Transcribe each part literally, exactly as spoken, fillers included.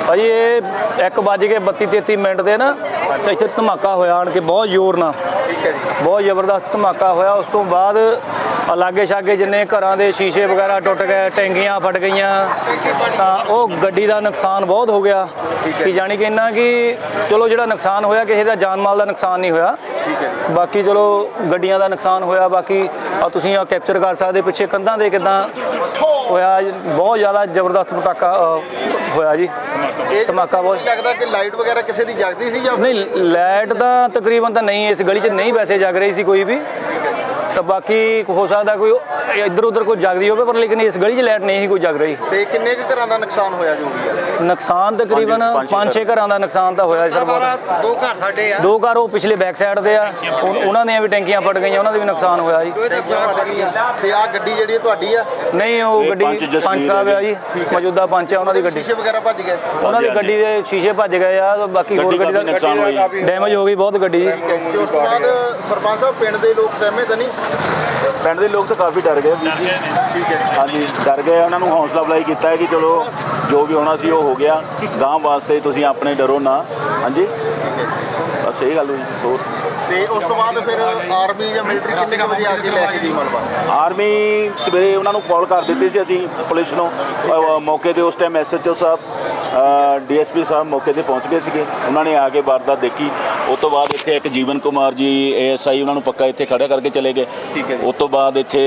ਭਾਜੀ ਇਹ ਇੱਕ ਵੱਜ ਕੇ ਬੱਤੀ ਤੇਤੀ ਮਿੰਟ ਦੇ ਨਾ ਤੇ ਇੱਥੇ ਧਮਾਕਾ ਹੋਇਆ ਆਣ ਕੇ ਬਹੁਤ ਜ਼ੋਰ ਨਾਲ। ਠੀਕ ਹੈ ਜੀ। ਬਹੁਤ ਜ਼ਬਰਦਸਤ ਧਮਾਕਾ ਹੋਇਆ। ਉਸ ਤੋਂ ਬਾਅਦ ਲਾਗੇ ਛਾਗੇ ਜਿੰਨੇ ਘਰਾਂ ਦੇ ਸ਼ੀਸ਼ੇ ਵਗੈਰਾ ਟੁੱਟ ਗਏ, ਟੈਂਕੀਆਂ ਫਟ ਗਈਆਂ, ਤਾਂ ਉਹ ਗੱਡੀ ਦਾ ਨੁਕਸਾਨ ਬਹੁਤ ਹੋ ਗਿਆ। ਕਿ ਜਾਣੀ ਕਿ ਇੰਨਾ ਕਿ ਚਲੋ ਜਿਹੜਾ ਨੁਕਸਾਨ ਹੋਇਆ ਕਿਸੇ ਦਾ ਜਾਨ ਮਾਲ ਦਾ ਨੁਕਸਾਨ ਨਹੀਂ ਹੋਇਆ, ਬਾਕੀ ਚਲੋ ਗੱਡੀਆਂ ਦਾ ਨੁਕਸਾਨ ਹੋਇਆ। ਬਾਕੀ ਆ ਤੁਸੀਂ ਆ ਕੈਪਚਰ ਕਰ ਸਕਦੇ ਪਿੱਛੇ ਕੰਧਾਂ ਦੇ ਕਿੱਦਾਂ ਹੋਇਆ, ਬਹੁਤ ਜ਼ਿਆਦਾ ਜ਼ਬਰਦਸਤ ਪਟਾਕਾ ਹੋਇਆ ਜੀ, ਧਮਾਕਾ ਬਹੁਤ। ਲੱਗਦਾ ਕਿ ਲਾਈਟ ਵਗੈਰਾ ਕਿਸੇ ਦੀ ਜਗਦੀ ਸੀ ਜਾਂ ਨਹੀਂ? ਲਾਈਟ ਤਾਂ ਤਕਰੀਬਨ ਤਾਂ ਨਹੀਂ ਇਸ ਗਲੀ 'ਚ ਨਹੀਂ ਵੈਸੇ ਜਗ ਰਹੀ ਸੀ ਕੋਈ ਵੀ, ਤਾਂ ਬਾਕੀ ਹੋ ਸਕਦਾ ਕੋਈ ਇੱਧਰ ਉੱਧਰ ਕੋਈ ਜਗਦੀ ਹੋਵੇ, ਪਰ ਲੇਕਿਨ ਇਸ ਗਲੀ 'ਚ ਲਾਈਟ ਨਹੀਂ ਸੀ ਕੋਈ ਜਗ ਰਹੀ। ਤੇ ਕਿੰਨੇ ਕੁ ਘਰਾਂ ਦਾ ਨੁਕਸਾਨ ਹੋਇਆ ਜੋ ਵੀ ਹੈ? ਨੁਕਸਾਨ ਤਕਰੀਬਨ ਪੰਜ ਛੇ ਘਰਾਂ ਦਾ ਨੁਕਸਾਨ ਤਾਂ ਹੋਇਆ ਸਰ। ਦੋ ਘਰ ਸਾਡੇ ਆ, ਦੋ ਘਰ ਉਹ ਪਿਛਲੇ ਬੈਕ ਸਾਈਡ ਦੇ ਆ, ਉਹਨਾਂ ਦੀਆਂ ਵੀ ਟੈਂਕੀਆਂ ਫਟ ਗਈਆਂ, ਉਹਨਾਂ ਦਾ ਵੀ ਨੁਕਸਾਨ ਹੋਇਆ ਜੀ। ਤੇ ਆ ਗੱਡੀ ਜਿਹੜੀ ਤੁਹਾਡੀ ਆ? ਨਹੀਂ, ਉਹ ਗੱਡੀ ਪੰਚ ਸਾਹਿਬ ਆ ਜੀ, ਮੌਜੂਦਾ ਪੰਚ ਆ, ਉਹਨਾਂ ਦੀ ਗੱਡੀ। ਸ਼ੀਸ਼ੇ ਵਗੈਰਾ ਭੱਜ ਗਏ? ਉਹਨਾਂ ਦੀ ਗੱਡੀ ਦੇ ਸ਼ੀਸ਼ੇ ਭੱਜ ਗਏ ਆ, ਬਾਕੀ ਹੋਰ ਗੱਡੀ ਦਾ ਨੁਕਸਾਨ ਹੋਇਆ, ਡੈਮੇਜ ਹੋ ਗਈ ਬਹੁਤ ਗੱਡੀ ਜੀ। ਉਸ ਤੋਂ ਬਾਅਦ ਸਰਪੰਚ ਸਾਹਿਬ ਪਿੰਡ ਦੇ ਲੋਕ ਸਹਿਮਤ ਨਹੀਂ? ਪਿੰਡ ਦੇ ਲੋਕ ਤਾਂ ਕਾਫੀ ਡਰ ਗਏ ਵੀਰ ਜੀ। ਠੀਕ ਹੈ। ਹਾਂਜੀ, ਡਰ ਗਏ। ਉਹਨਾਂ ਨੂੰ ਹੌਸਲਾ ਅਫਜ਼ਾਈ ਕੀਤਾ ਹੈ ਕਿ ਚਲੋ ਜੋ ਵੀ ਹੋਣਾ ਸੀ ਉਹ ਹੋ ਗਿਆ, ਗਾਂਹ ਵਾਸਤੇ ਤੁਸੀਂ ਆਪਣੇ ਡਰੋ ਨਾ। ਹਾਂਜੀ, ਬਸ ਇਹ ਗੱਲ ਹੋਈ। ਹੋਰ ਤੇ ਉਸ ਤੋਂ ਬਾਅਦ ਫਿਰ ਆਰਮੀ ਜਾਂ ਮਿਲਟਰੀ ਕਿੰਨੇ ਕੁ ਵਜੇ ਆ ਕੇ ਲੈ ਕੇ ਗਈ ਮਲਬਾ? ਆਰਮੀ ਸਵੇਰੇ ਉਹਨਾਂ ਨੂੰ ਕਾਲ ਕਰ ਦਿੱਤੀ ਸੀ ਅਸੀਂ ਪੁਲਿਸ ਨੂੰ, ਅ, ਮੌਕੇ 'ਤੇ ਉਸ ਟਾਈਮ ਐਸ ਐਚ ਓ ਸਾਹਿਬ, ਡੀ ਐਸ ਪੀ ਸਾਹਿਬ ਮੌਕੇ 'ਤੇ ਪਹੁੰਚ ਗਏ ਸੀਗੇ। ਉਹਨਾਂ ਨੇ ਆ ਕੇ ਵਾਰਦਾਤ ਦੇਖੀ। ਉਸ ਤੋਂ ਬਾਅਦ ਇੱਥੇ ਇੱਕ ਜੀਵਨ ਕੁਮਾਰ ਜੀ ਏ ਐਸ ਆਈ, ਉਹਨਾਂ ਨੂੰ ਪੱਕਾ ਇੱਥੇ ਖੜ੍ਹਾ ਕਰਕੇ ਚਲੇ ਗਏ। ਠੀਕ ਹੈ। ਉਸ ਤੋਂ ਬਾਅਦ ਇੱਥੇ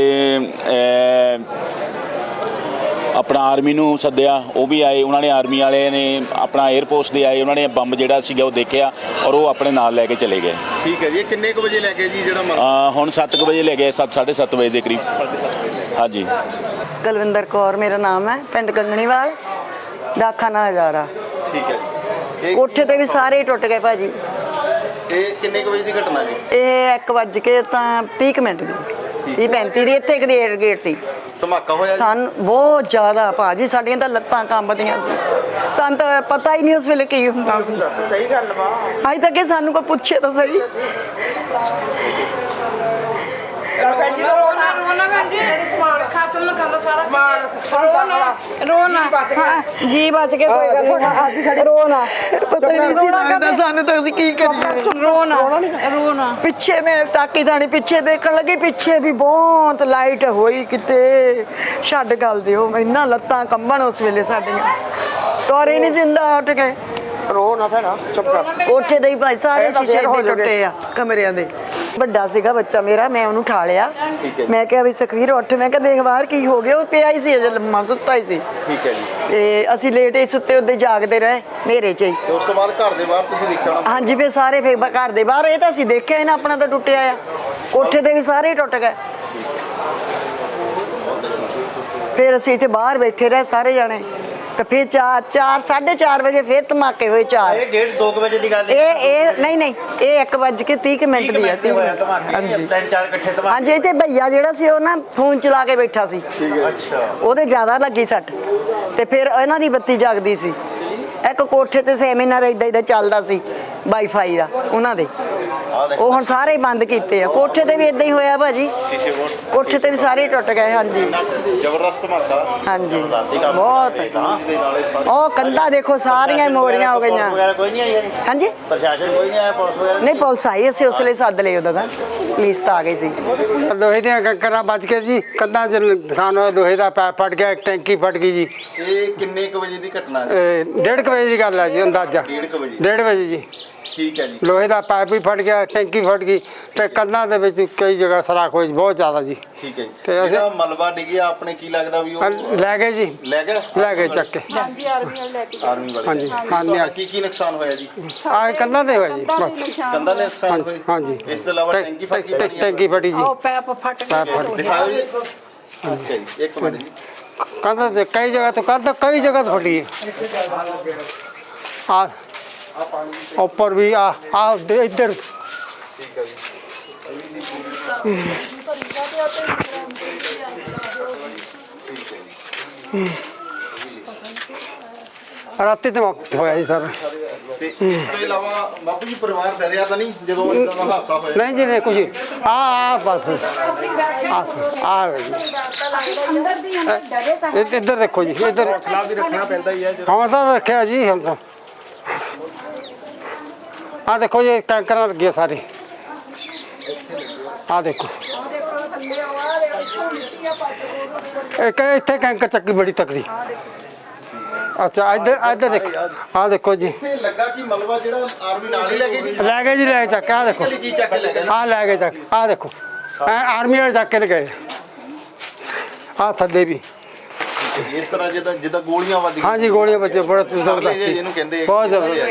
ਆਪਣਾ ਆਰਮੀ ਨੂੰ ਸੱਦਿਆ, ਉਹ ਵੀ ਆਏ। ਉਹਨਾਂ ਨੇ ਆਰਮੀ ਵਾਲੇ ਨੇ ਆਪਣਾ 에ਅਰਪੋਰਟ ਦੇ ਆਏ, ਉਹਨਾਂ ਨੇ ਬੰਬ ਜਿਹੜਾ ਸੀਗਾ ਉਹ ਦੇਖਿਆ ਔਰ ਉਹ ਆਪਣੇ ਨਾਲ ਲੈ ਕੇ ਚਲੇ ਗਏ। ਠੀਕ ਹੈ ਜੀ। ਕਿੰਨੇ ਕੁ ਵਜੇ ਲੈ ਕੇ ਜੀ ਜਿਹੜਾ ਅ, ਹੁਣ ਸੱਤ ਕੁ ਵਜੇ ਲੈ ਗਏ, ਸੱਤ ਸਾਢੇ ਸੱਤ ਵਜੇ ਦੇ ਕਰੀਬ। ਹਾਂਜੀ। ਕੁਲਵਿੰਦਰ ਕੌਰ ਮੇਰਾ ਨਾਮ ਹੈ, ਪਿੰਡ ਕੰਗਣੀਵਾਲ, ਡਾਕਖਾਨਾ ਹਜ਼ਾਰਾ। ਠੀਕ ਹੈ ਜੀ। ਕੋਠੇ ਤੇ ਵੀ ਸਾਰੇ ਟੁੱਟ ਗਏ ਭਾਜੀ। ਇਹ ਕਿੰਨੇ ਕੁ ਵਜੇ ਦੀ ਘਟਨਾ ਜੀ? ਇਹ ਇੱਕ ਵੱਜ ਕੇ ਤਾਂ ਤੀਹ ਕੁ ਮਿੰਟ ਦੀ, ਤੀਹ ਪੈਂਤੀ ਦੀ। ਇੱਥੇ ਇੱਕ ਗੇਟ ਗੇਟ ਸੀ, ਧਮਾਕਾ ਹੋਇਆ? ਸਾਨੂੰ ਬਹੁਤ ਜ਼ਿਆਦਾ ਭਾਜੀ, ਸਾਡੀਆਂ ਤਾਂ ਲੱਤਾਂ ਕੰਬਦੀਆਂ ਸੀ। ਸਾਨੂੰ ਤਾਂ ਪਤਾ ਹੀ ਨਹੀਂ ਉਸ ਵੇਲੇ ਕੀ ਹੁੰਦਾ ਸੀ। ਸਹੀ ਗੱਲ ਵਾ। ਅੱਜ ਤੱਕ ਇਹ ਸਾਨੂੰ ਕੋਈ ਪੁੱਛੇ ਤਾਂ ਸਹੀ। ਰੋਣਾ ਰੋਣਾ ਭੈਣ ਜੀ, ਸਮਾਨ ਖਾਤਮ ਨਾ ਕਰਦਾ ਸਾਰਾ ਰੋਣਾ ਰੋਣਾ ਜੀ ਬਚ ਕੇ ਕੋਈ ਗੱਲ ਨਹੀਂ, ਰੋਣਾ ਪਤਾ ਨਹੀਂ ਸੀ ਲੱਗਦਾ ਸਾਨੂੰ ਤਾਂ ਅਸੀਂ ਕੀ ਕਰੀਏ। ਰੋਣਾ ਰੋਣਾ ਪਿੱਛੇ ਮੈਂ ਤਾਕੀ ਥਾਣੀ ਪਿੱਛੇ ਦੇਖਣ ਲੱਗੀ, ਪਿੱਛੇ ਵੀ ਬਹੁਤ ਲਾਈਟ ਹੋਈ ਕਿਤੇ। ਛੱਡ ਗੱਲ ਦਿਓ, ਇੰਨਾ ਲੱਤਾਂ ਕੰਬਣ ਉਸ ਵੇਲੇ ਸਾਡੀਆਂ, ਤੋਰੇ ਨਹੀਂ ਜਿੰਦਾ ਉੱਠ ਗਏ। ਰੋ ਨਾ ਭੈਣਾ, ਚੁੱਪ ਕਰ। ਕੋਠੇ ਦੇ ਹੀ ਭਾਈ ਸਾਰੇ ਸ਼ੀਸ਼ੇ ਦੇ ਟੁੱਟੇ ਆ ਕਮਰਿਆਂ ਦੇ। ਵੱਡਾ ਸੀਗਾ ਬੱਚਾ ਮੇਰਾ, ਮੈਂ ਉਹਨੂੰ ਉਠਾ ਲਿਆ। ਮੈਂ ਕਿਹਾ ਵੀ ਸੁਖਵੀਰ ਉੱਠ, ਮੈਂ ਕਿਹਾ ਦੇਖ ਬਾਹਰ ਕੀ ਹੋ ਗਿਆ। ਉਹ ਪਿਆ ਹੀ ਸੀ ਅਜੇ ਲੰਮਾ, ਸੁੱਤਾ ਹੀ ਸੀ। ਠੀਕ ਹੈ ਜੀ। ਤੇ ਅਸੀਂ ਲੇਟ ਹੀ ਸੁੱਤੇ, ਉੱਦੇ ਜਾਗਦੇ ਰਹੇ ਹਨੇਰੇ 'ਚ ਹੀ। ਤੇ ਉਸ ਤੋਂ ਬਾਅਦ ਘਰ ਦੇ ਬਾਹਰ ਤੁਸੀਂ ਦੇਖਿਆ ਹੋਣਾ? ਹਾਂਜੀ, ਫਿਰ ਸਾਰੇ ਫਿਰ ਘਰ ਦੇ ਬਾਹਰ, ਇਹ ਤਾਂ ਅਸੀਂ ਦੇਖਿਆ ਹੀ ਨਾ, ਆਪਣਾ ਤਾਂ ਟੁੱਟਿਆ ਆ। ਕੋਠੇ ਦੇ ਵੀ ਸਾਰੇ ਟੁੱਟ ਗਏ। ਫਿਰ ਅਸੀਂ ਇੱਥੇ ਬਾਹਰ ਬੈਠੇ ਰਹੇ ਸਾਰੇ ਜਾਣੇ। ਤੇ ਫਿਰ ਚਾਰ ਚਾਰ ਸਾਢੇ ਚਾਰ ਵਜੇ ਫਿਰ ਧਮਾਕੇ ਹੋਏ। ਚਾਰ ਇਹ ਡੇਢ ਦੋ ਕੁ ਵਜੇ ਦੀ ਗੱਲ ਇਹ ਇਹ ਨਹੀਂ ਨਹੀਂ ਇਹ ਇੱਕ ਵੱਜ ਕੇ ਤੀਹ ਮਿੰਟ ਦੀ ਆ। ਹਾਂਜੀ, ਤਿੰਨ ਚਾਰ ਇਕੱਠੇ ਧਮਾਕੇ। ਹਾਂਜੀ, ਇੱਥੇ ਭਈਆ ਜਿਹੜਾ ਸੀ ਉਹ ਨਾ ਫੋਨ ਚਲਾ ਕੇ ਬੈਠਾ ਸੀ। ਅੱਛਾ। ਉਹਦੇ ਜ਼ਿਆਦਾ ਲੱਗੀ ਸੱਟ। ਤੇ ਫਿਰ ਇਹਨਾਂ ਦੀ ਬੱਤੀ ਜਗਦੀ ਸੀ। ਇੱਕ ਕੋਠੇ ਤੇ ਸੈਮੀਨਾਰ ਇਦਾਂ ਇਦਾਂ ਚੱਲਦਾ ਸੀ ਵਾਈਫਾਈ ਦਾ ਉਹਨਾਂ ਦੇ, ਉਹ ਹੁਣ ਸਾਰੇ ਬੰਦ ਕੀਤੇ ਆ। ਕੋਠੇ ਤੇ ਵੀ ਇਦਾਂ ਹੀ ਹੋਇਆ ਭਾਜੀ, ਕੋਠੇ ਤੇ ਵੀ ਸਾਰੇ ਟੁੱਟ ਗਏ। ਹਾਂਜੀ, ਜ਼ਬਰਦਸਤ ਧਮਾਕਾ। ਹਾਂਜੀ ਬਹੁਤ। ਉਹ ਕੰਧਾਂ ਦੇਖੋ ਸਾਰੀਆਂ ਮੋਰੀਆਂ ਹੋ ਗਈਆਂ। ਵਗੈਰਾ ਕੋਈ ਨਹੀਂ ਆਈ? ਹਾਂਜੀ, ਪ੍ਰਸ਼ਾਸਨ ਕੋਈ ਨਹੀਂ ਆਇਆ? ਪੁਲਿਸ ਵਗੈਰਾ ਨਹੀਂ ਪੁਲਿਸ ਆਈ, ਅਸੀਂ ਉਸ ਵੇਲੇ ਸੱਦ ਲਏ ਉਹਦਾ, ਤਾਂ ਪੁਲਿਸ ਤਾਂ ਆ ਗਈ ਸੀ। ਲੋਹੇ ਦੀਆਂ ਕੰਕਰਾਂ ਵੱਜ ਕੇ ਜੀ, ਕੰਧਾਂ 'ਚ ਨੁਕਸਾਨ ਹੋਇਆ, ਲੋਹੇ ਦਾ ਪੈਪ ਫਟ ਗਿਆ, ਇੱਕ ਟੈਂਕੀ ਫਟ ਗਈ ਜੀ। ਇਹ ਕਿੰਨੇ ਕੁ ਵਜੇ ਦੀ ਘਟਨਾ ਹੈ? ਇਹ ਡੇਢ ਕੁ ਵਜੇ ਦੀ ਗੱਲ ਹੈ ਜੀ, ਅੰਦਾਜ਼ਾ ਡੇਢ ਕੁ ਵਜੇ। ਡੇਢ ਵਜੇ ਜੀ। ਠੀਕ ਹੈ ਜੀ। ਲੋਹੇ ਦਾ ਪਾਈਪ ਵੀ ਫਟ ਗਿਆ, ਟੈਂਕੀ ਫਟ ਗਈ, ਤੇ ਕੰਧਾਂ ਦੇ ਵਿੱਚ ਕਈ ਜਗ੍ਹਾ ਸਰਾਖ ਹੋਈ ਬਹੁਤ ਜ਼ਿਆਦਾ ਜੀ। ਠੀਕ ਹੈ ਜੀ। ਤੇ ਅਸੀਂ- ਜਿਹੜਾ ਮਲਬਾ ਡਿੱਗਿਆ ਆਪਣੇ ਕੀ ਲੱਗਦਾ ਵੀ ਉਹ ਲੈ ਗਏ ਜੀ, ਲੈ ਗਏ? ਲੈ ਗਏ ਚੱਕ ਕੇ। ਹਾਂਜੀ, ਆਰਮੀ ਵਾਲੇ ਲੈ ਕੇ ਆਰਮੀ ਵਾਲੇ? ਹਾਂਜੀ, ਹਾਂਜੀ। ਤੁਹਾਡਾ ਕੀ ਕੀ ਨੁਕਸਾਨ ਹੋਇਆ ਜੀ? ਆਹ ਕੰਧਾਂ ਦੇ ਹੋਇਆ ਜੀ ਬਸ। ਕੰਧਾਂ ਦੇ ਨੁਕਸਾਨ ਹੋਏ? ਹਾਂਜੀ। ਇਸ ਤੋਂ ਇਲਾਵਾ ਟੈਂਕੀ ਫਟ ਗਈ? ਟੈਂ- ਟੈਂਕੀ ਫਟੀ ਜੀ, ਉਹ ਪੈਪ ਫਟ ਪੈਪ ਫਟ ਗਈ। ਦਿਖਾਓ ਜੀ। ਅੱਛਾ ਜੀ, ਇੱਕ ਮਿੰਟ ਜੀ। ਕੰਧਾਂ ਤੇ ਕਈ ਜਗ੍ਹਾ ਤੋਂ ਕੰਧ ਕਈ ਜਗ੍ਹਾ ਤੋਂ ਫਟੀ ਹੈ। ਆ ਉੱਪਰ ਵੀ ਆ ਆ ਇੱਧਰ। ਠੀਕ ਹੈ ਜੀ। ਰਾਤੀ ਤੇ ਹੋਇਆ ਜੀ ਸਰ। ਤੇ ਇਸ ਤੋਂ ਇਲਾਵਾ ਬਾਪੂ ਜੀ ਪਰਿਵਾਰ ਡਰਿਆ ਤਾਂ ਨਹੀਂ ਜਦੋਂ ਇਦਾਂ ਦਾ ਹਾਦਸਾ ਹੋਇਆ? ਨਹੀਂ ਜੀ ਨਹੀਂ ਕੁਝ ਆ ਆ ਬਸ ਆ ਆ ਅੰਦਰ ਦੀ ਅੰਦਰ ਡਰੇ ਤਾਂ ਇਹ- ਇੱਧਰ ਦੇਖੋ ਜੀ ਇੱਧਰ ਹੌਸਲਾ ਵੀ ਰੱਖਣਾ ਪੈਂਦਾ ਹੀ ਹੈ ਜਦੋਂ ਹਾਂ ਤਾਂ ਰੱਖਿਆ ਜੀ ਹਮ ਤਾਂ ਆ ਦੇਖੋ ਜੀ ਟੈਂਕਰਾਂ ਲੱਗੇ ਸਾਰੇ ਆ ਦੇਖੋ ਇੱਕ ਇੱਥੇ ਕੈਂਕਰ ਚੱਕੀ ਬੜੀ ਤਕੜੀ। ਅੱਛਾ ਇੱਧਰ ਇੱਧਰ ਦੇਖੋ ਆ ਦੇਖੋ ਜੀ ਇੱਥੇ ਲੱਗਾ ਕਿ ਮਲਬਾ ਜਿਹੜਾ ਆਰਮੀ ਨਾਲ ਹੀ ਲੈ ਗਈ ਜੀ ਲੈ ਗਏ ਜੀ ਲੈ ਕੇ ਚੱਕ ਕੇ ਆ ਦੇਖੋ ਕਿਹੜੀ ਚੀਜ਼ ਚੱਕ ਕੇ ਲੈ ਗਏ ਆ ਲੈ ਕੇ ਚੱਕ ਆ ਦੇਖੋ ਐ ਆਰਮੀ ਵਾਲੇ ਚੱਕ ਕੇ ਲੈ ਗਏ ਆ ਥੱਲੇ ਵੀ ਇਸ ਤਰ੍ਹਾਂ ਜਿੱਦਾਂ ਜਿੱਦਾਂ ਗੋਲੀਆਂ ਵੱਜ ਹਾਂ ਜੀ ਗੋਲੀਆਂ ਬੱਚੇ ਬੜਾ ਜ਼ਬਰਦਸਤ ਸਰਲੇ ਜਿਹੇ ਜਿਹਨੂੰ ਕਹਿੰਦੇ ਆ। ਬਹੁਤ ਜ਼ਬਰਦਸਤ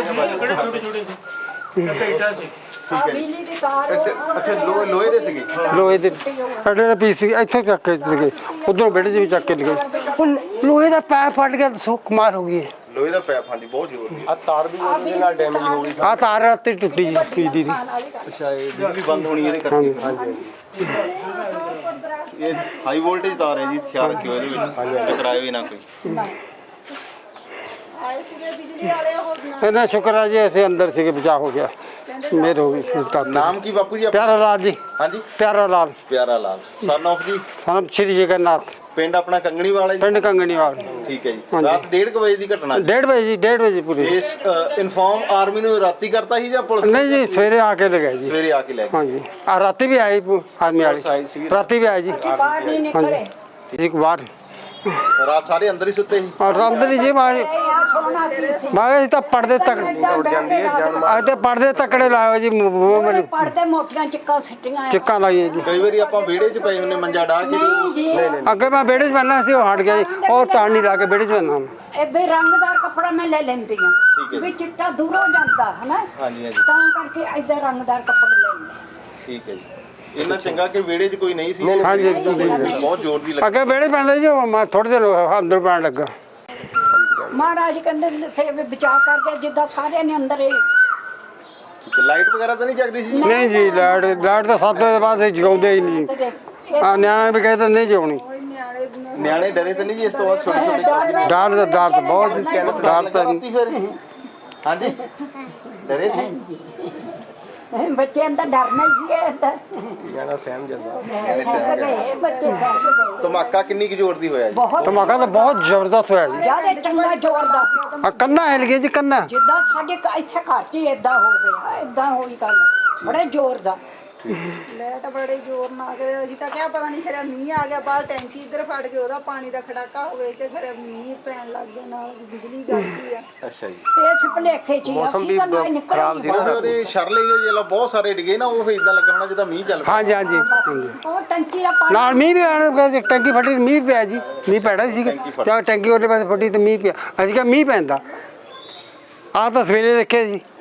ਬਿਜਲੀ ਦੀ ਤਾਰ ਅੱਛਾ ਲੋਹੇ ਲੋਹੇ ਦੇ ਸੀਗੇ ਲੋਹੇ ਦੇ ਅੱਡੇ ਦਾ ਪੀਸ ਇੱਥੋਂ ਚੱਕ ਕੇ ਸੀਗੇ ਉਧਰੋਂ ਬੈਠੇ ਜੀ ਵੀ ਚੱਕ ਕੇ ਲਗੇ ਹੁਣ ਲੋਹੇ ਦਾ ਪੈਰ ਫਟ ਗਿਆ ਸੋ ਕਮਾਲ ਹੋ ਗਈ ਹੈ। ਲੋਹੇ ਦਾ ਪੈਪ ਹਾਂਜੀ ਬਹੁਤ ਜ਼ੋਰ ਦੀ ਆ ਤਾਰ ਰਾਤੀ ਟੁੱਟੀ ਜੀ ਬਿਜਲੀ ਦੀ ਅੱਛਾ ਇਹ ਬਿਜਲੀ ਬੰਦ ਹੋਣੀ ਇਹਦੇ ਕਰਕੇ ਹਾਂਜੀ ਇਹ ਹਾਈ ਵੋਲਟੇਜ ਤਾਰ ਹੈ ਜੀ ਖਿਆਲ ਰੱਖਿਓ ਇਹਦੇ ਵਿੱਚ ਟਕਰਾਏ ਵੀ ਨਾ ਕੋਈ ਆਏ ਸੀਗੇ ਬਿਜਲੀ ਵਾਲੇ ਉਹ ਇਹਨਾਂ ਸ਼ੁਕਰ ਹੈ ਜੀ ਅਸੀਂ ਅੰਦਰ ਸੀਗੇ ਬਚਾ ਹੋ ਗਿਆ ਮੇਰ ਹੋ ਗਈ ਤਾਂ ਨਾਮ ਕੀ ਬਾਪੂ ਜੀ ਆਪਣਾ? ਪਿਆਰਾ ਲਾਲ ਜੀ ਹਾਂਜੀ ਪਿਆਰਾ ਲਾਲ ਪਿਆਰਾ ਲਾਲ ਸਨ ਆਫ ਜੀ ਸਾਨੂੰ ਸ਼੍ਰੀ ਜਗਨਨਾਥ ਪਿੰਡ ਆਪਣਾ ਕੰਗਣੀ ਵਾਲਾ ਜੀ ਪਿੰਡ ਕੰਗਣੀਵਾਲ ਠੀਕ ਹੈ ਜੀ ਹਾਂਜੀ। ਰਾਤ ਡੇਢ ਕੁ ਵਜੇ ਦੀ ਘਟਨਾ ਜੀ। ਡੇਢ ਵਜੇ ਜੀ ਡੇਢ ਵਜੇ ਪੂਰੀ ਇਸ ਇਨਫਾਰਮ ਆਰਮੀ ਨੂੰ ਰਾਤੀ ਕਰਤਾ ਸੀ ਜਾਂ ਪੁਲਿਸ ਨਹੀਂ ਜੀ ਸਵੇਰੇ ਆ ਕੇ ਲਗਾਏ ਜੀ ਸਵੇਰੇ ਆ ਕੇ ਲੈ ਗਏ ਹਾਂਜੀ ਆ ਰਾਤੀ ਵੀ ਆਈ ਆਰਮੀ ਵਾਲੀ ਰਾਤੀ ਵੀ ਆਈ ਜੀ ਬਾਹਰ ਨਹੀਂ ਨਿਕਲੇ ਹਾਂਜੀ ਇੱਕ ਵਾਰ ਰਾਤ ਸਾਰੇ ਅੰਦਰ ਹੀ ਸੁੱਤੇ ਸੀ ਔਰ ਰਾਮਦਰੀ ਜੀ ਮਾਂ ਆ ਸੋਨਾ ਕੀ ਸੀ ਮਾਂ ਤਾਂ ਪਰਦੇ ਤੱਕ ਉੱਡ ਜਾਂਦੀ ਹੈ ਅੱਜ ਤੇ ਪਰਦੇ ਤੱਕੜੇ ਲਾਏ ਜੀ ਮੂੰਹ ਮੈਨੂੰ ਪੜਦੇ ਮੋਟੀਆਂ ਚਿੱਕਾਂ ਸਿੱਟੀਆਂ ਚਿੱਕਾਂ ਲਾਈਆਂ ਜੀ ਕਈ ਵਾਰੀ ਆਪਾਂ ਵਿਹੜੇ 'ਚ ਪਏ ਹੁੰਨੇ ਮੰਜਾ ਡਾਹ ਕੇ ਨਹੀਂ ਜੀ ਅੱਗੇ ਮੈਂ ਵਿਹੜੇ 'ਚ ਬੰਨਣਾ ਸੀ ਉਹ ਹਟ ਗਿਆ ਜੀ ਉਹ ਤਾਣ ਨਹੀਂ ਲਾ ਕੇ ਵਿਹੜੇ 'ਚ ਬੰਨਣਾ ਇਹ ਵੀ ਰੰਗਦਾਰ ਕੱਪੜਾ ਮੈਂ ਲੈ ਲੈਂਦੀ ਠੀਕ ਹੈ ਹਾਂ ਜੀ। ਵੀ ਚਿੱਟਾ ਦੂਰੋਂ ਜਾਂਦਾ ਹਨਾ ਹਾਂਜੀ ਹਾਂਜੀ ਤਾਂ ਕਰਕੇ ਏਦਾਂ ਰੰਗਦਾਰ ਕੱਪੜੇ ਲੈਂਦੇ ਠੀਕ ਹੈ ਜੀ ਇੰਨਾ ਚੰਗਾ ਕਿ ਵਿਹੜੇ 'ਚ ਕੋਈ ਨਹੀਂ ਸੀ ਹਾਂਜੀ ਬਹੁਤ ਜ਼ੋਰ ਦੀ ਲੱਗੀ ਅੱਗੇ ਵਿਹੜੇ ਪੈਂਦੇ ਜੀ ਉਹ ਮੈਂ ਥੋੜੇ ਦਿਨ ਅੰਦਰ ਪੈਣ ਲੱਗਾ ਮਹਾਰਾਜ ਕਹਿੰਦੇ ਨੇ ਫੇਰ ਵੀ ਬਚਾ ਕਰਕੇ ਜਿੱਦਾਂ ਸਾਰਿਆਂ ਨੇ ਅੰਦਰ ਇਹ ਲਾਈਟ ਵਗੈਰਾ ਤਾਂ ਨਹੀਂ ਜਗਦੀ ਸੀ ਨਹੀਂ ਜੀ ਲਾਈਟ ਲਾਈਟ ਤਾਂ ਸੱਤ ਵਜੇ ਤੋਂ ਬਾਅਦ ਅਸੀਂ ਜਗਾਉਂਦੇ ਹੀ ਨਹੀਂ ਆ ਨਿਆਣੇ ਵੀ ਕਹਿੰਦੇ ਨਹੀਂ ਜਗਾਉਣੀ ਨਿਆਣੇ ਡਰੇ ਤਾਂ ਨਹੀਂ ਜੀ ਇਸ ਤੋਂ ਬਾਅਦ ਛੋਟੇ ਛੋਟੇ ਡਰ ਦਾ ਡਰ ਤਾਂ ਬਹੁਤ ਜੀ ਡਰ ਤਾਂ ਰਾਤੀ ਫਿਰ ਹਾਂਜੀ ਡਰੇ ਸੀ ਬੱਚੇ ਅੰਦਰ ਡਰਨਾ ਹੀ ਸੀ ਅੰਦਰ ਨਿਆਣਾ ਸਹਿਮ ਜਾਂਦਾ ਗਏ ਬੱਚੇ ਸਹਿਮ ਗਏ ਧਮਾਕਾ ਕਿੰਨੀ ਕੁ ਜ਼ੋਰ ਦੀ ਹੋਇਆ ਜੀ ਬਹੁਤ ਧਮਾਕਾ ਤਾਂ ਬਹੁਤ ਜ਼ਬਰਦਸਤ ਹੋਇਆ ਜੀ ਜਿਆਦਾ ਚੰਗਾ ਜ਼ੋਰ ਦਾ ਆ ਕੰਨਾ ਹਿਲ ਗਈ ਜੀ ਕੰਨਾ ਜਿੱਦਾਂ ਸਾਡੇ ਘ- ਇੱਥੇ ਘਰ 'ਚ ਹੀ ਏਦਾਂ ਹੋ ਗਿਆ ਏਦਾਂ ਹੋਈ ਗੱਲ ਬੜੇ ਜ਼ੋਰ ਦਾ ਲੈਟ ਬੜੇ ਜ਼ੋਰ ਨਾਲ ਆ ਗਏ ਅਸੀਂ ਤਾਂ ਕਿਹਾ ਪਤਾ ਨਹੀਂ ਫਿਰ ਮੀਂਹ ਆ ਗਿਆ ਬਾਹਰ ਟੈਂਕੀ ਇੱਧਰ ਫਟ ਕੇ ਉਹਦਾ ਪਾਣੀ ਦਾ ਖੜਾਕਾ ਹੋਵੇ ਤੇ ਫਿਰ ਮੀਂਹ ਪੈਣ ਲੱਗ ਗਿਆ ਨਾਲ ਬਿਜਲੀ ਗਈ ਆ ਅੱਛਾ ਜੀ ਇਸ ਭੁਲੇਖੇ 'ਚ ਹੀ ਅਸੀਂ ਤਾਂ ਨਾ ਨਿਕਲ ਗਏ ਉਹਦੇ ਉਹਦੇ ਸ਼ਰਲੇ ਜਿਹੇ ਜਿਹੜਾ ਬਹੁਤ ਸਾਰੇ ਡਿੱਗੇ ਨਾ ਉਹ ਇਦਾਂ ਲੱਗਾ ਹੋਣਾ ਜਿੱਦਾਂ ਮੀਂਹ ਚੱਲ ਪਿਆ ਹਾਂਜੀ ਹਾਂਜੀ ਹਾਂਜੀ ਉਹ ਟੰਕੀ ਦਾ ਪਾਣੀ ਨਾਲ ਮੀਂਹ ਵੀ ਆਣਾ ਟੈਂਕੀ ਫਟੀ ਮੀਂਹ ਪਿਆ ਜੀ ਮੀਂਹ ਪੈਣਾ ਸੀ ਟੈਂਕੀ ਫਟ- ਜਦ ਟੈਂਕੀ ਉਹਦੇ ਪਾਸੇ ਫਟੀ ਤੇ ਮੀਂਹ ਪਿਆ ਅਸੀਂ ਕਿਹਾ ਮੀਂਹ ਪੈਂਦਾ ਆਹ ਤਾਂ ਸਵੇਰੇ ਦੇਖਿਆ ਜੀ